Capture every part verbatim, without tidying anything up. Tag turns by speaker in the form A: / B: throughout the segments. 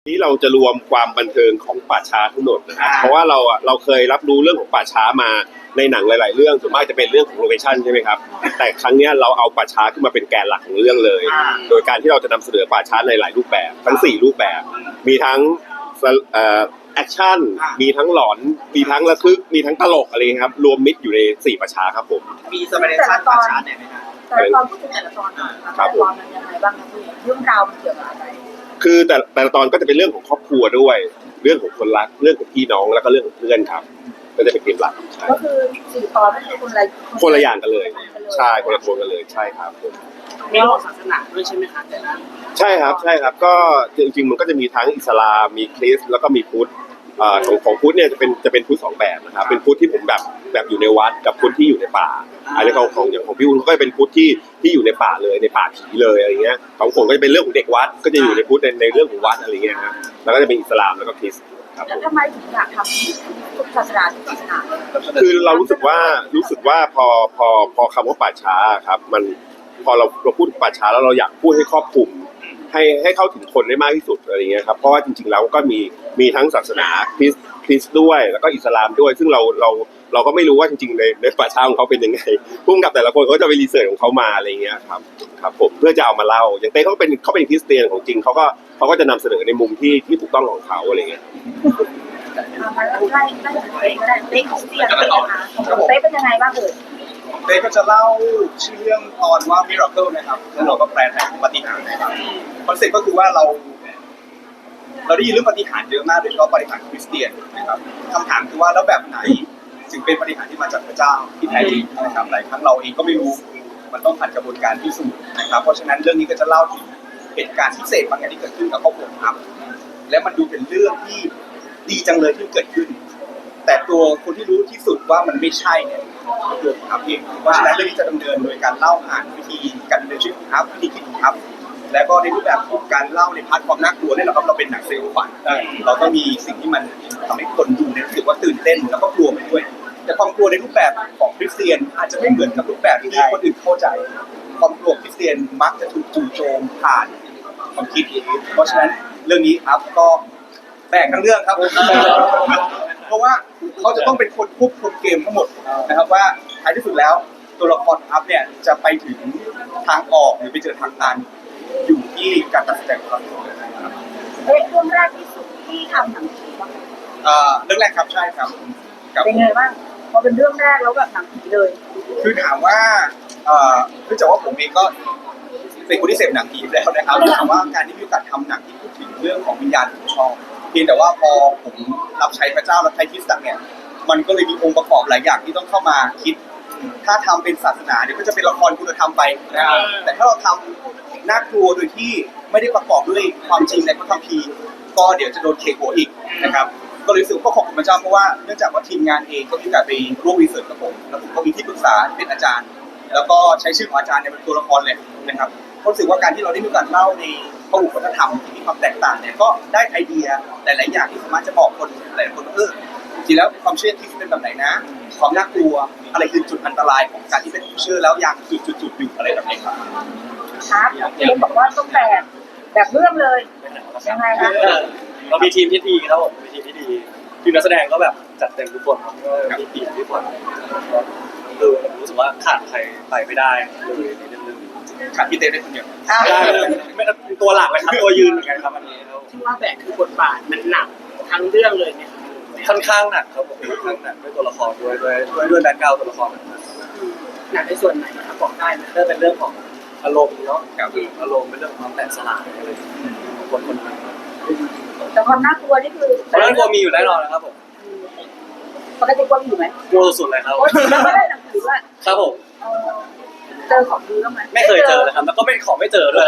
A: นี้เราจะรวมความบันเทิงของป่าช้าทั้งหมดนะครับเพราะว่าเราอ่ะเราเคยรับรู้เรื่องของป่าช้ามาในหนังหลายๆเรื่องส่วนมากจะเป็นเรื่องของโลเคชั่นใช่ไหมครับแต่ครั้งนี้เราเอาป่าช้าขึ้นมาเป็นแกนหลักของเรื่องเลยโดยการที่เราจะนำเสนอป่าช้าในหลายรูปแบบทั้งสี่รูปแบบมีทั้งเอ่อแอคชั่นมีทั้งหลอนมีทั้งระทึกมีทั้งตลกอะไรครับรวมมิตรอยู่ในสี่ป่าช้าครับผม
B: มีสเปเดชั่นป่าช้าเนี่ยไหมครับ
C: แต่ละตอนพูดถึงแต่ละตอนแต่ละตอนมันยังไงบ้างครับพี่เรื่องราวมันเกี่ยวกับอะไร
A: คือแต่แต่ละตอนก็จะเป็นเรื่องของครอบครัวด้วยเรื่องของคนรักเรื่องของพี่น้องแล้วก็เรื่องของเพื่อนครับก็จะเป็นเกมหลัก
C: ก็คือสี่ตอนไม่ใช่คนละ
A: คนละอย่างกันเลยใช่คนละคนกันเลยใช่ครับ
B: มีเรื่องศาสนาด้วยใช่ไหมคะแต่ละ
A: ใช่ครับใช่ครับก็จริงๆมันก็จะมีทั้งอิสลามมีคริสต์แล้วก็มีพุทธของของพุทธเนี่ยจะเป็นจะเป็นพุทธสองแบบนะครับเป็นพุทธที่ผมแบบแบบอยู่ในวัดกับพุทธที่อยู่ในป่าอันนี้ของของอย่างของพี่อุ้นก็จะเป็นพุทธที่ที่อยู่ในป่าเลยในป่าผีเลยอะไรเงี้ยของผมก็จะเป็นเรื่องของเด็กวัดก็จะอยู่ในพุทธในในเรื่องของวัดอะไรเงี้ยครับแล้วก็จะเป็นอิสลามแล้วก็คริสต์ครับ
C: แล้วทำไมถึงอยากทำทุกศาสนาทุกศาสนา
A: คือเรารู้สึกว่ารู้สึกว่าพอพอพอคำว่าป่าช้าครับมันพอเราเราพูดถึงป่าช้าแล้วเราอยากพูดให้ครอบคลุมให้ให้เข้าถึงคนได้มากที่สุดอะไรเงี้ยครับเพราะว่าจริงๆแล้วก็มีมีทั้งศาสนาคริสต์คริสต์ด้วยแล้วก็อิสลามด้วยซึ่งเราเราเราก็ไม่รู้ว่าจริงๆในในป่าช้าของเขาเป็นยังไงพุ่งกับแต่ละคนเขาจะไปรีเสิร์ชของเขามาอะไรเงี้ยครับครับผมเพื่อจะเอามาเล่าอย่างเต้เขาเป็นเขาเป็นคริสเตียนของจริงเขาก็เขาก็จะนำเสนอในมุมที่ที่ถูกต้องของเขาอะไรเงี้ย
C: มาไล่ไล่ไล่เต้ก็ได้เต้คริสเตียนเป็นยังไงเต้เป็นยังไงบ้างเอ่ย
B: เต้ก็จะเล่าชื่อเรื่องตอนว่า Miracle นะครับแล้วเราก็แปลไทยปาฏิหาริย์นะครับคอนเซ็ปต์ก็คือว่าเราเราได้ยินเรื่องปาฏิหาริย์เยอะมากโดยเฉพาะปาฏิหาริย์คริสเตียนนะครับคำถามคือว่าแล้วแบบไหนจึงเป็นปาฏิหาริย์ที่มาจากพระเจ้าที่แท้จริงนะครับหลายครั้งเราเองก็ไม่รู้มันต้องผ่านกระบวนการพิสูจน์นะครับเพราะฉะนั้นเรื่องนี้ก็จะเล่าถึงเหตุการณ์พิเศษบางอย่างที่เกิดขึ้นกับครอบครัวครับและมันดูเป็นเรื่องที่ดีจังเลยที่เกิดขึ้นแต่ตัวคนที่รู้ที่สุดว่ามันไม่ใช่เนี่ยตัวของอัพเองเพราะฉะนั้นเรื่องนี้จะดำเนินโดยการเล่าผ่านวิธีการดำเนินชีวิตของอัพวิธีคิดของอัพแล้วก็ในรูปแบบของการเล่าในพาร์ทความน่ากลัวเนี่ยเราเราเป็นหนังเซลล์ฝันเราก็มีสิ่งที่มันทำให้คนดูเนี่ยรู้สึกว่าตื่นเต้นแล้วก็กลัวไปด้วยแต่ความกลัวในรูปแบบของคริสเตียนอาจจะไม่เหมือนกับรูปแบบที่คนอื่นเข้าใจความกลัวคริสเตียนมักจะถูกจู่โจมผ่านความคิดเพราะฉะนั้นเรื่องนี้อัพก็แบกทั้งเรื่องครับเพราะว่าเขาจะต้องเป็นคนควบคุมเกมทั้งหมดนะครับว่าท้ายที่สุดแล้วตัวละครอัพเนี่ยจะไปถึงทางออกหรือไปเจอทางตันอยู่ที่การตัดสินใจของเขา
C: เอ๊ะเรื่องแรกที่สุดที่ทำหนังผีบ้าง
B: เอ่อเรื่องแรกครับใช่ครับ
C: เป็นไงบ้างพอเป็นเรื่องแรกแล้วแบบหนังผีเลย
B: คือถามว่าเอ่อเนื่องจากว่าผมเองก็เป็นคนที่เสพหนังผีแล้วนะครับถามว่าการที่มีโอกาสทำหนังที่พูดถึงเรื่องของวิญญาณผมชอบเพียงแต่ว่าพอผมรับใช้พระเจ้ารับใช้คริสต์เนี่ยมันก็เลยมีองค์ประกอบหลายอย่างที่ต้องเข้ามาคิดถ้าทำเป็นศาสนาเนี่ยก็จะเป็นละครคุณธรรมไปนะครับแต่ถ้าเราทำน่ากลัวโดยที่ไม่ได้ประกอบด้วยความจริงในพระคัมภีร์ก็เดี๋ยวจะโดนเคหัวอีกนะครับก็เลยรู้สึกก็ขอบคุณพระเจ้าเพราะว่าเนื่องจากว่าทีมงานเองก็มีการไปร่วมรีเสิร์ชกับผมแล้วผมก็มีที่ปรึกษาเป็นอาจารย์แล้วก็ใช้ชื่อของอาจารย์เนี่ยเป็นตัวละครเลยนะครับรู้สึกว่าการที่เราได้มีการเล่าในพหุวัฒนธรรมที่มีความแตกต่างเนี่ยก็ได้ไอเดียหลายๆอย่างที่สามารถจะบอกคนหลายๆคนเออจริงแล้วความเชื่อที่เป็นแบบไหนนะความน่ากลัวอะไรคือจุดอันตรายของการที่เป็นผู้เชื่อแล้วยังจุดๆๆอยู่อะไรแบบนี้ครับ
C: ครับเอ็มบอกว่าต้องแบบแบบเรื่องเลยยังไงครับ
D: เรามีทีมที่ดีครับผมมีทีมที่ดีทีมนักแสดงก็แบบจัดเต็มทุกคนครับก็มีทีมทุกคนคือผมรู้สึกว่าขาดใครไปไม่ได้เลยในเรื่อง
B: ขาดพี่เต้ได้คนเดียว
D: ไม่ตัวหลักเลยครับตัวยืนเหมือนกันครับอันนี้
B: ที่ว่าแบกคือบทบาทมันหนักทั้งเรื่องเลยเนี่ย
D: ค่อนข้างหนักครับผมค่อนข้างหนักด้วยตัวละครด้วยด้วยด้วยด้วยแบ็คกราวด์ตัวละคร
B: หนักในส่วนไหนครับบอกได้นะ
D: ถ้าเป็นเรื่องของอารมณ์เนาะกับอารมณ์เป็นเรื่องของความแตกสลายอะไรคนคนนั้น
C: แต่ความน่ากลัวนี่คือ
D: ความน่ากลัวมีอยู่แน่นอนนะครับผม
C: ปกติกลัวอยู่ไหม
D: กลัวสุดเลยครับ
C: แล้วก็ได้หนังสือว่า
D: ครับผม
C: เจอของดีบ้างไหม
D: ไม่เคยเจอเลยครับแล้วก็ไม่ของไม่เจอด้วย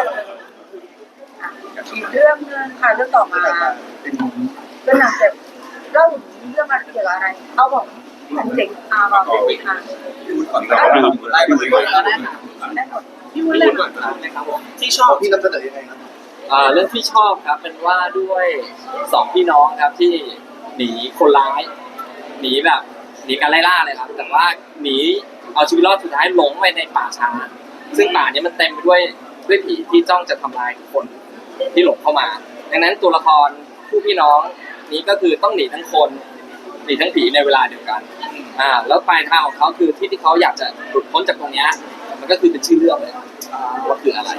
C: อีกเรื่องนึงค่ะเรื่องต่อมาเรื่องหนังเจ็บเล่าเรื่องอะไรเกี่ยวกับอะไรเอาบอกหนังเจ็บอาบอกเลยค่ะ
B: พี่วุฒิก่อนก็ไล่มาเลยก่อน
C: ได้หมดพี่วุฒิเลย
B: ที่ชอบพี่นำเสนอยังไงครับ
E: อ่าเรื่องที่ชอบครับเป็นว่าด้วยสองพี่น้องครับที่หนีคนร้ายหนีแบบหนีการไล่ล่าเลยครับแต่ว่าหนีเอาชีวิตรอดสุดท้ายหลงไปในป่าช้าซึ่งป่านี้มันเต็มไปด้วยด้วยผีที่จ้องจะทำลายคนที่หลงเข้ามาดังนั้นตัวละครผู้พี่น้องนี้ก็คือต้องหนีทั้งคนหนีทั้งผีในเวลาเดียวกันอ่าแล้วปลายทางของเขาคือที่ที่เขาอยากจะหลุดพ้นจากตรงเนี้ยมันก็คือเป็นชื่อเรื่องเลยว่าคืออะไร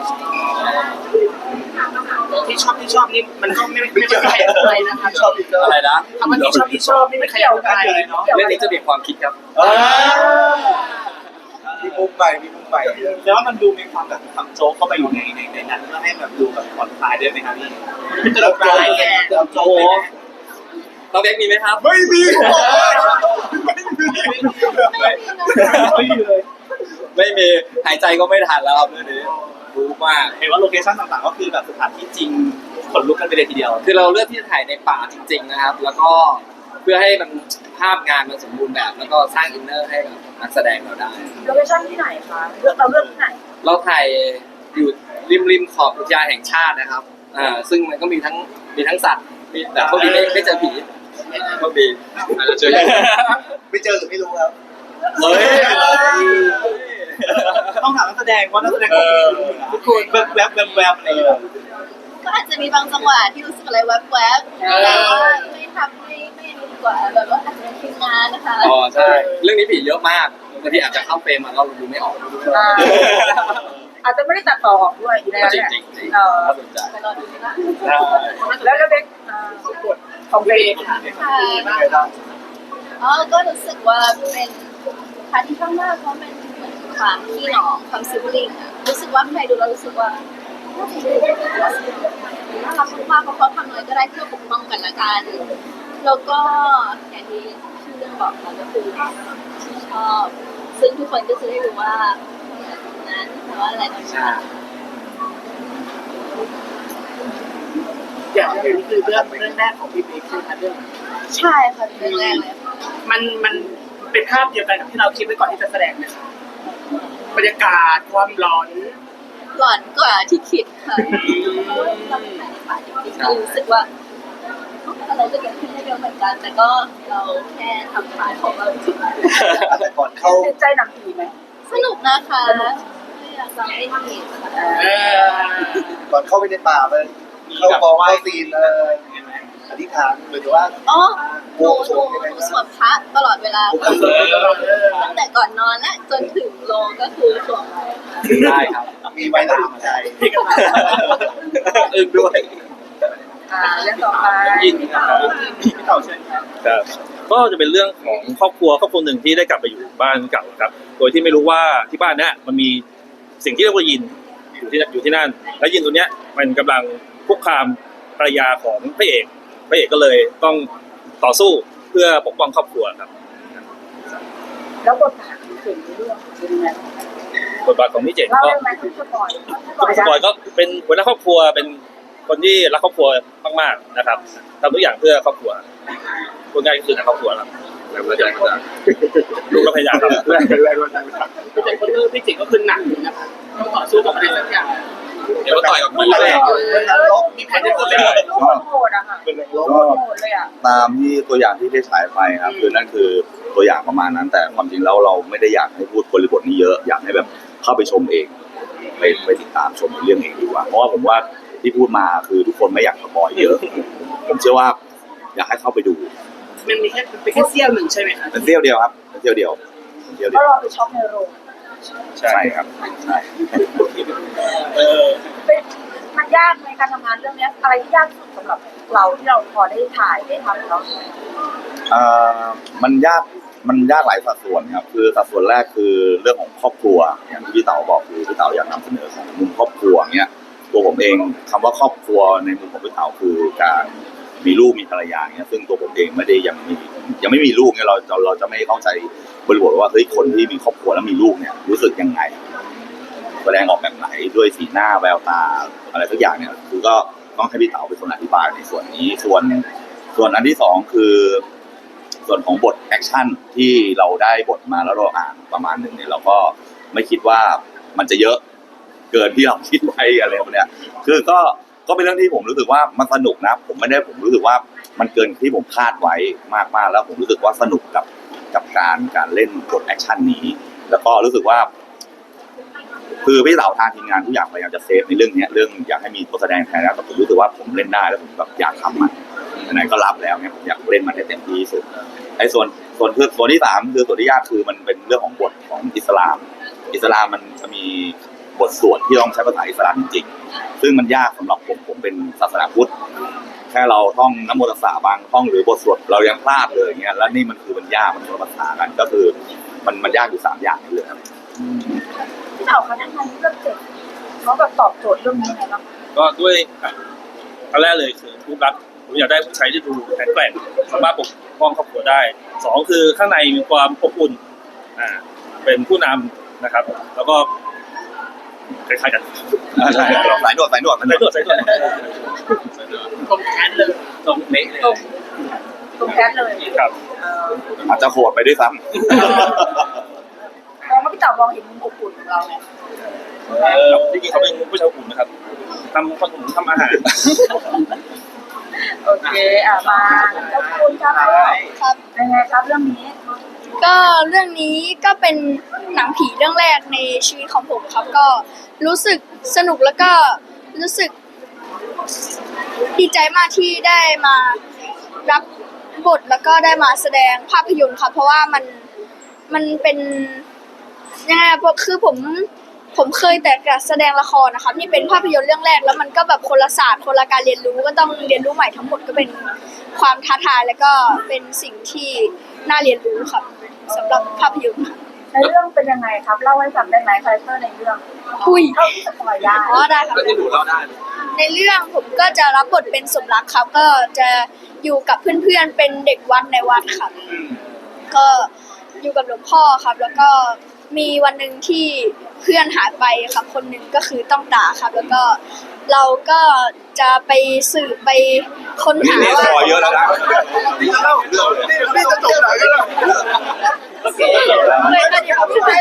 F: ที่ชอบที่ชอบนี่มันก็ไม่ไม่ไม่ใครอะไรนะครับ
B: ชอบอีกแล้ว
E: อะไรนะ
F: คำว่าที่ชอบที่ชอบนี่ไม่ใครอะไรเนาะ
E: เรื่องนี้จะมีความคิดครับ
B: มีมุมใหม่มีมุมใหม่
F: แล้วมันดูมีความแบบทำโจ๊กเข้าไปอยู่ในในในนั้นเพื่อให้แบบดูแบบผ่อนคลายด้วยไหมครับพี่เป็นตลกร้ายแกโจ๊ก
E: น้องเด็กมีไหมครับ
B: ไม่มี
F: ไม่มีเลย
E: ไม่มีหายใจก็ไม่ทันแล้วครับเรื่องนี้รู้มาก
F: เห็นว่าโลเคชั่นต่างๆก็คือแบบสถานที่จริงขนลุกกันไปเลยทีเดียว
E: คือเราเลือกที่จะถ่ายในป่าจริงๆนะครับ แล้วก็เพื่อให้มันภาพงานมันสมบูรณ์แบบ แล้วก็สร้างอินเนอร์ให้กับนักแสดงเราได้
C: โลเคชั่นที่ไหนคะเลือกเราเลือกที่ไหน
E: เราถ่ายอยู่ริมริมขอบอุทยานแห่งชาตินะครับ อ่า ซึ่งมันก็มีทั้งมีทั้งสัตว์ มีแต่พวกนี้ไม่ไม่เจอผีพวกนี้อาจจะเจอ
B: ไม่เจอหรือไม่รู้ครับ
E: เฮ้ย
F: ต้องถามนักแสดงว่านักแสดงเขาเป็นอยู่นะทุกคนแบบแบบแบบแบบอะไรอย่างเงี้ย
G: ก็อาจจะมีบางจังหวะที่รู้สึกอะไรแวบๆแต่ว่าไม่ทำไม่ไม่ดีกว่าแบบว่าอาจจะเป็นทีมงานนะคะ
E: อ๋อใช่ เรื่องนี้ผีเยอะมากบางทีอาจจะเข้าเฟรมมาแล้วเราดูไม่ออก
C: อ่าอาจจะไม่ได้ตัดต่อออกด้วยอีกแล้ว
E: จริ
C: เนี่
E: ง
C: ย
E: จริงจริง
C: เออ
E: น่าสนใจ
G: ไปรอดูนะ
C: แล้วแล้วเด็กอ่าของเด็ก
G: ค่ะอ๋อก็รู้สึกว่าเป็นพาร์ทที่ข้างหน้าเพราะเป็นเหมือนความพี่น้องความซิบลิงอะรู้สึกว่าใครดูแล้วรู้สึกว่าน่าจะดูน่ารักมากๆเพราะเขาทำอะไรก็ได้เพื่อปกป้องกันละกันแล้วก็อย่างที่ชื่อเรื่องบอกค่ะก็คือชอบ ซึ่งทุกคนก็จะได้รู้ว่านั้นแต่ว่าอะไรตอน
E: ใช่
G: นี้
F: อย่างนี้คือเรื่องเรื่องแรกของพี่เบคใช่ไหมคะเรื่อง
G: ใช่ค่ะเรื่องแรกเลยค่ะ
F: มันมันเป็นภาพเดียวกันกับที่เราคิดไว้ก่อนที่จะแสดงไหมคะบรรยากาศความร้อน
G: หลอนกว่าที่คิดค่ะเพราะว่าเราถ่ายในป่าจริงๆก็รู้สึกว่าอะไรจะเกิดขึ้นได้เร็วเหมือนกัน แต่ก็เราแค่ทำพาร์ทของเราจริง
B: แต่ก่อนเข้า
C: ติดใจหนังผีไหม
G: สนุกนะคะไม่อยากจะไม่ผิดค่ะ
F: เออ
B: ก่อนเข้าไปในป่าไปเข้ากองเข้าซีนเอออธิษฐานหรือว่า
G: อ๋อหนูหนูหนูสวดพระตลอดเวลาค่ะตั้งแต่ก่อนนอนและจนถึงโลงก็คือสวดไว้ค่ะ
E: ได้ครับ
B: มีไว้หลังใจ
E: อึ้งด้วย
C: อ่าเรื่องต่อไป
E: ยินครับ
F: พี่เต่าเชิญครับ
H: ครับก็จะเป็นเรื่องของครอบครัวครอบครัวหนึ่งที่ได้กลับไปอยู่บ้านเก่าครับ โดยที่ไม่รู้ว่าที่บ้านเนี้ยมันมีสิ่งที่เรียกว่ายินอยู่ที่อยู่ที่นั่น แล้วยินตัวเนี้ยมันกำลังคุกคามภรรยาของพระเอกพระเอกก็เลยต้องต่อสู้เพื่อปกป้องครอบครัวครับ
C: แล้วบทบาทของเก่งในเรื่องเป็นยังไง
H: บทบาทของพี่เจ๋ง
C: เล่า
H: ก็
C: ได้ไหมทุกสปอย
H: ทุกสปอยก็เป็นหัวหน้าครอบครัวเป็นคนที่รักครอบครัวมากๆนะครับทำทุกอย่างเพื่อครอบครัวพูดง่ายก็คือในครอบครัวครับแล้วก็จะลูกก็พยายามครับ
B: แรกแรกก็จะ
F: พี่เจ๋งก็คือพี่เจ๋งก็คือหนักอยู่นะคะต้องต่อสู้กับอะไรสักอย่าง
E: เดี๋ยวต่อยกับ
F: มัน
E: พี่
F: แร
E: แร
F: ก
E: ก
F: มีแผนจะเกิดอะไร
C: ลูกคนโหดอะค่ะ
B: เป็นแรงล
C: ลู
B: บ
C: กคนโหดเลยอะ
I: ตามที่ตัวอย่างที่ได้ฉายไปครับคือนั่นคือตัวอย่างประมาณนั้น แต่ความจริงแล้วเราไม่ได้อยากให้พูดบริบทนี้เยอะอยากให้แบบเข้าไปชมเองไปไปติดตามชมเรื่องเองดีกว่าเพราะว่าผมว่าที่พูดมาคือทุกคนไม่อยากสปอยเยอะ ผมเชื่อว่าอยากให้เข้าไปดู
F: มันมีแค่เป็นแค่เสี้ยวหนึ่งใช่ไหมคะ
I: เป็นเที่ยวเดียวครับเป็นเที่ยวเดียวเป็นเที่ยว
C: เพ
I: เดียว
C: ราะเราไปช็อปในโรง
I: ใช่ครับใช่
F: เออ
C: เป็นมันยากในการทำงานเรื่องเนี้ยอะไรที่ยากที่สุดสำหรับเราที่เราพอได้ถ่ายได้ทำเนาะ
I: เอ่อมันยากมันยากหลายสัดส่วนครับคือสัดส่วนแรกคือเรื่องของครอบครัวอย่างที่พี่เต๋าบอกคือพี่เต๋าอยากนำเสนอของมุมครอบครัวเนี้ยตัวผมเองคำว่าครอบครัวในมุมของพี่เต๋าคือการมีลูกมีภรรยาเนี้ยซึ่งตัวผมเองไม่ได้ยังมียังไม่มีลูกเนี่ยเราเราเราจะไม่เข้าใจบริบทว่าเฮ้ยคนที่มีครอบครัวแล้วมีลูกเนี่ยรู้สึกยังไงแสดงออกแบบไหนด้วยสีหน้าแววตาอะไรทุกอย่างเนี่ยคือก็ต้องให้พี่เต๋าเป็นคนอธิบายในส่วนนี้ส่วนส่วนอันที่สองคือ ส่วนของบทแอคชั่นที่เราได้บทมาแล้วเราอ่านประมาณหนึ่งเนี่ยเราก็ไม่คิดว่ามันจะเยอะเกินที่เราคิดไว้อะไรแบบเนี้ยคือก็ก็เป็นเรื่องที่ผมรู้สึกว่ามันสนุกนะผมไม่ได้ผมรู้สึกว่ามันเกินที่ผมคาดไว้มากๆแล้วผมรู้สึกว่าสนุกกับกับการการเล่นบทแอคชั่นนี้ แล้วก็รู้สึกว่าคือพี่เต๋าทางทีมงานทุกอย่างพยายามจะเซฟในเรื่องเนี้ยเรื่องอยากให้มีตัวแสดงแทนแล้วแต่ผมรู้สึกว่าผมเล่นได้แล้วผมแบบอยากทำมันไหนๆก็รับแล้วเนี่ยผมอยากเล่นมันให้เต็มที่ที่สุดไอ้ส่วนส่วนคือส่วนที่สามคือส่วนที่ยากคือมันเป็นเรื่องของบทของอิสลาม อิสลามมันจะมีบทสวดที่ต้องใช้ภาษาอิสลามจริงๆซึ่งมันยากสำหรับผมผมเป็นศาสนาพุทธแค่เราท่องนะโมตัสสะบางท่องหรือบทสวดเรายังพลาดเลยอย่างเงี้ยแล้วนี่มันคือมันยากมันคนละภาษากันก็คือมันมันยากอยู่สามอย่างนี่เลยครับ
C: พี่เต๋าคะทำไมเลือกเจ็ดเขาแบบตอบโจทย์เรื่องนี้ไงบ้าง
H: ก็ด้วยอันแรกเลยคือรูปลักษณ์ผมอยากได้ผู้ชายที่ดูแข็งแกร่งสามารถปกป้องครอบครัวได้สองคือข้างในมีความอบอุ่นอ่าเป็นผู้นำนะครับ แล้วก็คล้ายๆกัน
I: ใช่สายนวดสายนวด
H: ใส่ตัวใส่ตัว
F: ตรงแคนเลยตรงเละเลย
C: ตรงตรงแคสเลย
H: ครับ
C: เออ
I: อาจจะโหดไปด้วยซ้
C: มองว่าพี่เต๋ามองเห็นมุมอบอุ่นของเราไง
H: ครับจริงๆเขาเป็นผู้ชายอบอุ่นนะครับทำขนมทำอาหาร
C: โอเคอ่ะมาแล้วคุณครับ
G: ครับ
C: เป็นไงครับเรื่องนี้
G: ก็เรื่องนี้ก็เป็นหนังผีเรื่องแรกในชีวิตของผมครับ ก็รู้สึกสนุกแล้วก็รู้สึกดีใจมากที่ได้มารับบทแล้วก็ได้มาแสดงภาพยนตร์ครับ เพราะว่ามันมันเป็นยังไงอะเพราะคือผมผมเคยแต่แสดงละครนะครับนี่เป็นภาพยนตร์เรื่องแรกแล้วมันก็แบบคนละศาสตร์คนละการเรียนรู้ก็ต้องเรียนรู้ใหม่ทั้งหมดก็เป็นความท้าทายแล้วก็เป็นสิ่งที่น่าเรียนรู้ครับสำหรับภาพยนตร์ครับ
C: ในเรื่องเป็นยังไงครับเล่าให้ฟังได้ไหมคาแรคเตอร์ในเรื่อง
G: คุย
C: เท่าที่สปอยได้
G: อ๋อได้ครับ
F: ก็ที่ดูเราได้
G: ในเรื่องผมก็จะรับบทเป็นสมรักครับ ก็จะอยู่กับเพื่อนๆเป็นเด็กวัดในวัดครับ ก็อยู่กับหลวงพ่อครับ แล้วก็มีวันหนึ่งที่เพื่อนหายไปครับ คนหนึ่งก็คือต้องตาครับ แล้วก็เราก็จะไปสืบไปค้น
I: ำนี่
G: หา
I: นี่
G: ว่า
I: สปอยเยอะแล้วนะ
B: นี่จะเล่าเรื่องเลยนี่จะจบหนังกันแล้ว
G: เลยก็เดี๋ยวพี่ไป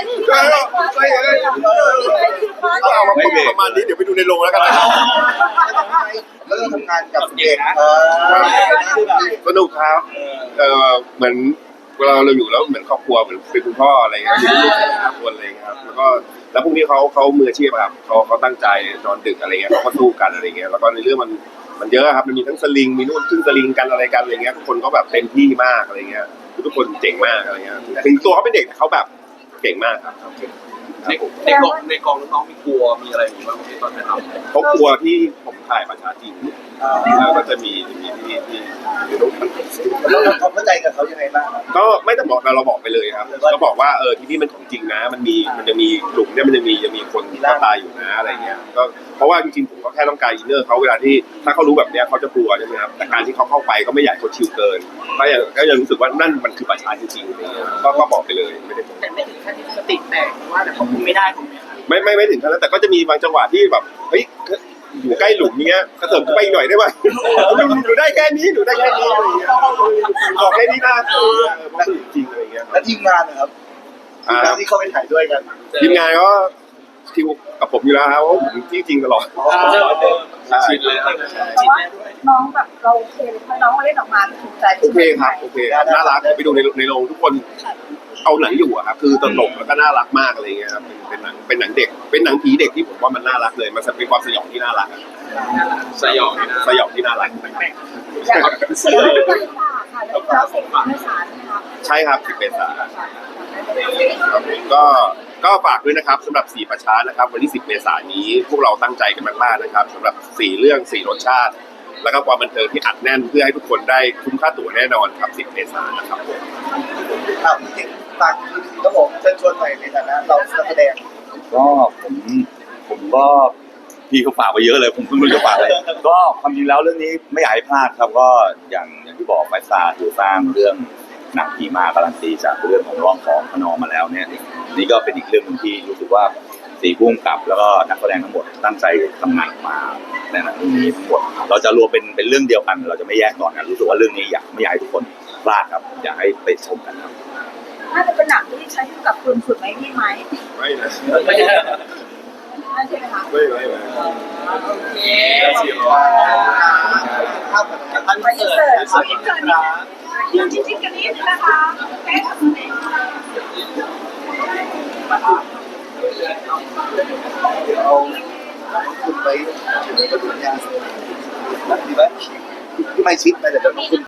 A: ก็เอามาประมาณนี้เดี๋ยวไปดูในโรงแล้วกันนะ
B: แล้วก็ทำงานกับเด็กนะ
A: สนุกครับเออเหมือนเวลาเราอยู่แล้วเหมือนครอบครัวเหมือนเป็นคุณพ่ออะไรเงี้ยมีลูกสามคนอะไรเงี้ยครับแล้วก็แล้วพวกนี้เขาเขามืออาชีพครับเขาเขาตั้งใจนอนดึกอะไรเงี้ยเขาก็สู้กันอะไรเงี้ยแล้วก็ในเรื่องมันมันเยอะครับมันมีทั้งสลิงมีนู่นขึ้นสลิงกันอะไรกันอะไรเงี้ยทุกคนก็แบบเต็มที่มากอะไรเงี้ยทุกคนเจ๋งมากอะไรเงี้ยถึงตัวเขาเป็นเด็กแต่เขาแบบเก่งมากครับ
F: ในในกองในกองน้องๆมีกลัวมีอะไรอยู่บ้างที่ตอนถ่ายทำ
A: เขากลัวที่ผมถ่ายประชาจีนแล้วก็จะมีมีที่ที่ที่ลูก
B: เราทำเข้าใจกับเขายังไงบ้าง
A: ก็ไม่ต้องบอกเราเราบอกไปเลยครับก็บอกว่าเออที่นี่มันของจริงนะ มันมีมันจะมีหลุมเนี่ยมันจะมีจะมีคนที่ตายอยู่นะอะไรเงี้ยก็เพราะว่าจริงๆผมก็แค่ต้องการอินเนอร์เขาเวลาที่ถ้าเขารู้แบบเนี้ยเขาจะกลัวใช่ไหมครับแต่การที่เขาเข้าไปก็ไม่อยากเขาชิวเกินก็ยังก็ยังรู้สึกว่านั่นมันคือประชาจริงๆก็ก็บอกไปเลยไม่ได้
F: แต่ไม่ถึงขั้นที่สติแตกว่าแต่เขาคุมไม่ได้ผมเนี่ย
A: ไม่ไม่ไม่ถึงขนาดนั้นแต่ก็จะมีบางจังหวะที่แบบเฮ้ยอยู่ใกล้หลุมเนี้ยกระเถิบขึ้นไปอีกหน่อยได้ไหมหนูหนูได้แค่นี้หนูได้แค่นี้อะไรเงี้ยบอกแค่นี้นะเออเพราะจริงอะไรเงี้ย
B: แล้วทีมงานนะครับทีมงานที่เขาไปถ่ายด้วยกัน
A: ทีมงานก็คิวกับผมอยู่แล้วครับเพราะผมที่จริงตลอดใช่
F: ชินเลย
C: แต่ว่าน้องแบบเราโอเคเลยเพราะน้องเล่นออกมาถูกใจ
A: โอเคครับโอเคน่ารักไปดูในในโรงทุกคนเอาหนังอยู่อะครับคือตลกแล้วก็น่ารักมากอะไรเงี้ยครับเป็นหนังเป็นหนังเด็กเป็นหนังผีเด็กที่ผมว่ามันน่ารักเลยมันเป็นความสยองที่น่ารัก
F: สยองนะ
A: สยองที่น่ารัก
C: อย่างเสียงไม่ได้ค่ะค่ะแล้วก็เสียงไม่สารใช่ไหมครับ
A: ใช่ครับสิบเมษายนก็ก็ฝากด้วยนะครับสำหรับสี่ประชานะครับวันที่สิบเมษายนนี้พวกเราตั้งใจกันมากๆนะครับสำหรับสี่เรื่องสี่รสชาติ แล้วก็ความบันเทิงที่อัดแน่นเพื่อให้ทุกคนได้คุ้มค่าตั๋วแน่นอนครับสิบเมษายนนะครับผม
B: ครับฝากก็บอกเชิญชวนหน่อยในฐานะเราแสดง
I: ก็ผมผมก็พี่เขาฝากไปเยอะเลยผมเพิ่งรู้จะฝากอะไรก็ความจริงแล้วเรื่องนี้ไม่อยากให้พลาดครับก็อย่างอย่างที่บอกไฟซาคือสร้างเรื่องหนังผีมาการันตีจากเรื่องของร้องของขนองมาแล้วเนี่ยนี่ก็เป็นอีกเรื่องนึงที่รู้สึกว่าสีพุ่มกับแล้วก็นักแสดงทั้งหมดตั้งใจทำงานมาในหนังเรื่องนี้ทั้งหมดเราจะรวมเป็นเป็นเรื่องเดียวกันเราจะไม่แยกตอนกันรู้สึกว่าเรื่องนี้อยากไม่อยากให้ทุกคนพลาดครับอยากให้ไปชมกันครับ
C: น่าจะเป็นหนังที่ใช้กับคุณสุดไหมพี่ไหม
A: ไม่นะ
F: ไม่ใช่
C: น่าใช่ไหมคะ
A: ไม่ไม่ไม่
F: เสียง
B: ภาพแบบ
F: ท่านเสิร์ฟขออินเสิร์ตนะ
C: ยืนจริงๆกันนิดนะคะแค่ทำเอง
F: เเอาคุณไปถึงประตูญาณดีไหมที่ไม่ชิดไปแต่เดี๋ยวคุณ